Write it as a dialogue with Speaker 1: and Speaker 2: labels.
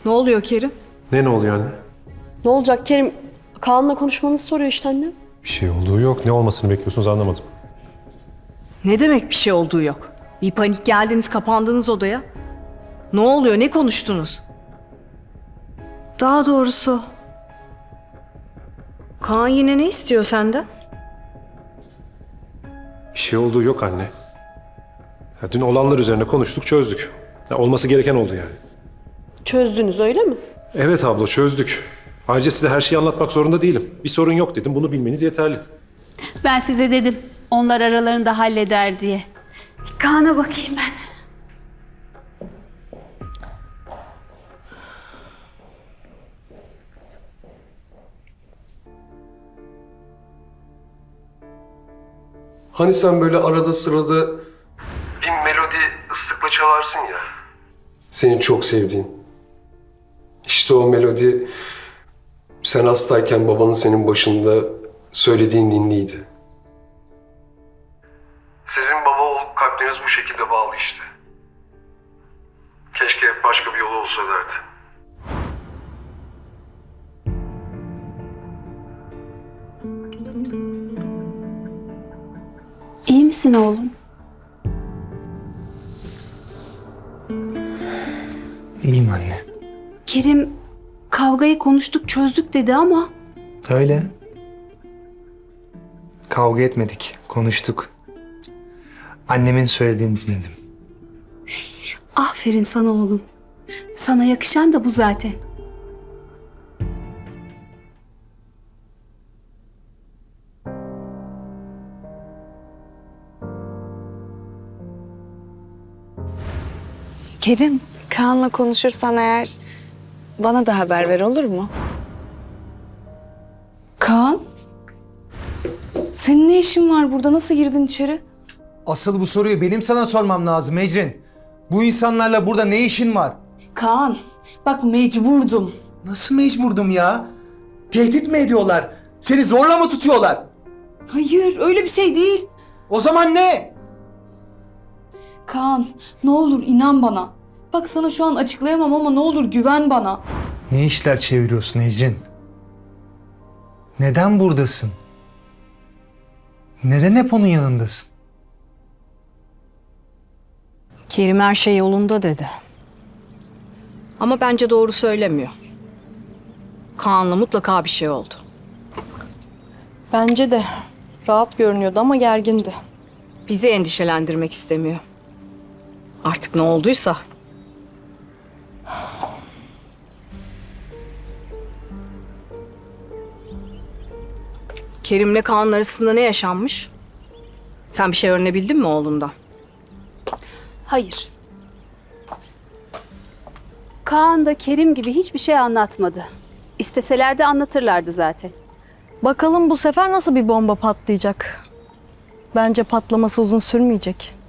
Speaker 1: Ne oluyor Kerim?
Speaker 2: Ne oluyor anne?
Speaker 3: Ne olacak Kerim? Kaan'la konuşmanızı soruyor işte annem.
Speaker 2: Bir şey olduğu yok. Ne olmasını bekliyorsunuz anlamadım.
Speaker 1: Ne demek bir şey olduğu yok? Bir panik geldiniz, kapandınız odaya. Ne oluyor, ne konuştunuz? Daha doğrusu... Kaan yine ne istiyor senden?
Speaker 2: Bir şey olduğu yok anne. Ya, dün olanlar üzerine konuştuk, çözdük. Ya, olması gereken oldu yani.
Speaker 3: Çözdünüz öyle mi?
Speaker 2: Evet abla, çözdük. Ayrıca size her şeyi anlatmak zorunda değilim. Bir sorun yok dedim, bunu bilmeniz yeterli.
Speaker 4: Ben size dedim onlar aralarında halleder diye. Kaan'a bakayım ben.
Speaker 5: Hani sen böyle arada sırada bir melodi ıslıkla çalarsın ya. Senin çok sevdiğin. İşte o melodi sen hastayken babanın senin başında söylediğin ninliydi. Sizin baba oğul kalpleriniz bu şekilde bağlı işte. Keşke başka bir yolu olsa derdi.
Speaker 4: İyi misin oğlum?
Speaker 6: İyiyim anne.
Speaker 4: Kerim kavgayı konuştuk çözdük dedi ama
Speaker 6: Öyle. Kavga etmedik, konuştuk. Annemin söylediğini dinledim.
Speaker 4: aferin sana oğlum. Sana yakışan da bu zaten.
Speaker 7: Kerim, Kaan'la konuşursan eğer bana da haber ver olur mu? Kaan? Senin ne işin var burada? Nasıl girdin içeri?
Speaker 6: Asıl bu soruyu benim sana sormam lazım Ecrin. Bu insanlarla burada ne işin var?
Speaker 4: Kaan bak mecburdum.
Speaker 6: Nasıl mecburdum ya? Tehdit mi ediyorlar? Seni zorla mı tutuyorlar?
Speaker 4: Hayır öyle bir şey değil.
Speaker 6: O zaman ne?
Speaker 8: Kaan, ne olur inan bana. Bak sana şu an açıklayamam ama ne olur güven bana.
Speaker 6: Ne işler çeviriyorsun Ecrin? Neden buradasın? Neden hep onun yanındasın?
Speaker 1: Kerim her şey yolunda dedi. Ama bence doğru söylemiyor. Kaan'la mutlaka bir şey oldu.
Speaker 3: Bence de. Rahat görünüyordu ama gergindi.
Speaker 1: Bizi endişelendirmek istemiyor. Artık ne olduysa. Kerim'le Kaan'ın arasında ne yaşanmış? Sen bir şey öğrenebildin mi oğlundan?
Speaker 4: Hayır. Kaan da Kerim gibi hiçbir şey anlatmadı. İsteseler de anlatırlardı zaten.
Speaker 3: Bakalım bu sefer nasıl bir bomba patlayacak? Bence patlaması uzun sürmeyecek.